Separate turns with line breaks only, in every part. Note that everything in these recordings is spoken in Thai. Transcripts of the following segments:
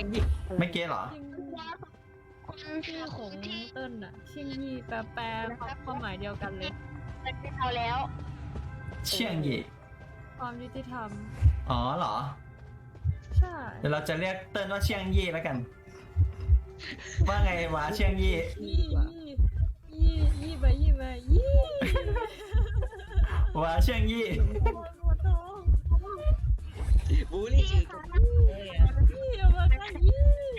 งยี่
ไม่เก็ตเหรอ
ชื่อของเติ้ลอะเชียงยี่แปลความหมายเดียวกันเลย
เอาแล้ว
เชี่ยงหยี่
ความยุติธรรม
อ๋อเหรอ
ใช่
เดี๋ยวเราจะเรียกเติ้ลว่าเชี่ยงยี่แล้วกัน ว่าไงวะเชี่ยงยี่
ยี่ไปยี่
วะเชี่ยงยี่
หัวโต
บูลลี่ชื่อกูเลยอะ
ยี่มากันยี่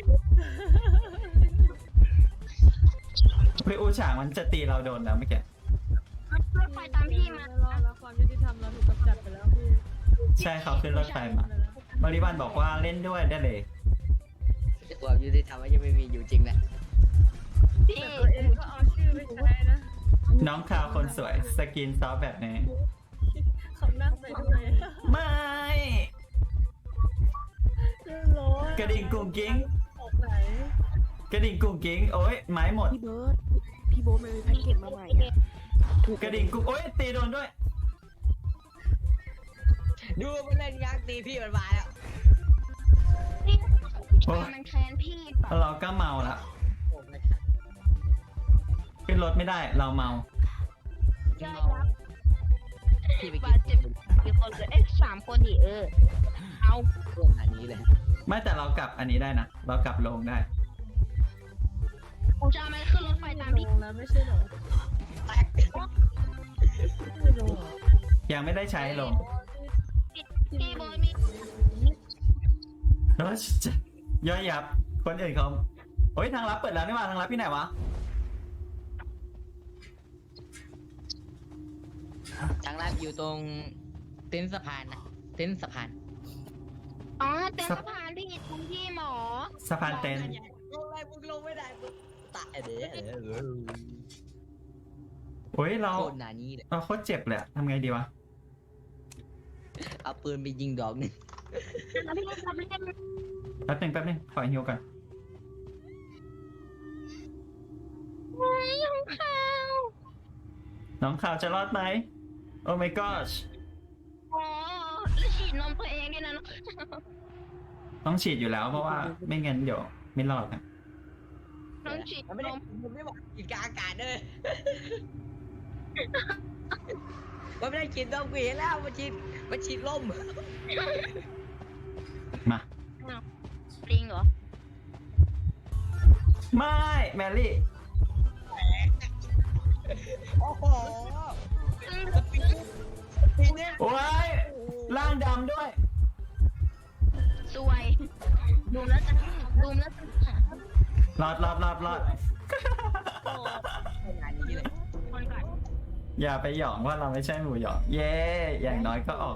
พี่อูฉางมันจะตีเราโดนแล้วเมื่อกี้
รถไฟตามพี่มา
แล้วความยุติธรรมเราถูกกำจัดไปแล้วพี่
ใช่เขาขึ้นรถไฟมาบริบันบอกว่าเล่นด้วยได้เลย
แต่ความยุติธรรมมันยังไม่มีอยู่จริงแหละ
พี่
แต่ตัวเองก็เอาชื่อไปใช้นะ
น้องคาวคนสวยสกินซอฟแบบนี้
เขานั่งไปด้วย
ไม่
ร้อน
กระดิ่งกุ้งกิ้ง
ออกไหน
กระดิ่งกุ้งกิ้งโอ้ยไม้หมด
พี่เบิร์ดพี่โบ๊ทมันมีแพ็กเกจมาใหม่อะถูก
กระดิ่งกุ้งโอ้ยตีโดนด้วย
ดูมันเล่นยักษ์ตีพี่มันมาแล้ว
พี่มันแค้นพี่ป่ะ
เราก็เมาละ
โอ้ไม่
ขึ้นรถไม่ได้เราเมา
ย่อยยับ
พี่ไป
บาดเจ็บกี่คนเลย3 คนดิเอา
พวกอันนี้เลย
ไม่แต่เรากลับอันนี้ได้นะเรากลับลงได้
ผมจะเอามันขึ้นรถไฟตาม
ล
พี่
งแล้วไม่ใช่เหรอ
แตก
ไม่ลงเหรอ
ยังไม่ได้ใช้ลง
พี่โบยมี
แล้วจะย่อยยับคนอื่นเขาโอ้ยทางลับเปิดแล้วนี่หว่าทางลับที่ไหนวะ
ทางลาดอยู่ตรงเต็นท์สะพานนะเต็นท์สะพาน
อ๋อเต็นท์สะพานพี่ตรงที่หมอ
สะพานเต็นท์
ลงไปมึงลงไม่ได้มึงตายเด้อ
โอ้ยเรา
โคตรหนานี้เลย
เราโคตรเจ็บเลยอะทำไงดีวะ
เอาปืนไปยิงดอกหนึง
แล้วพี่ทำเล่น
แป๊บนึงขอฮิวก่อน
ไว้ของเขา
น้องข่าวจะรอดไหมโอ้ my gosh
อ๋อแล้วฉีดนมตัวเองด้วยนะ
ต้องฉีดอยู่แล้วเพราะว่าไม่งั้นเดี๋ยวไม่รอดนะ
น้องฉีด
มันไม่
น
ได้
ม
มันไม่ได้บอกกินกลางอากาศเลยมันไม่ได้กินนมกูเห็นแล้วมันฉีดลม
มา
ปริงเหรอ
ไม่แมรี่
โอ้โหปีเนี่ย
โอ้ยร่างดำด้วย
สวยดูแล้วจะดูแล้วจะ
รอด
ขนาดนี้เลย
คนก่อน
อย่าไปหยองว่าเราไม่ใช่หมูหยอง เย้อย่างน้อยก็ออก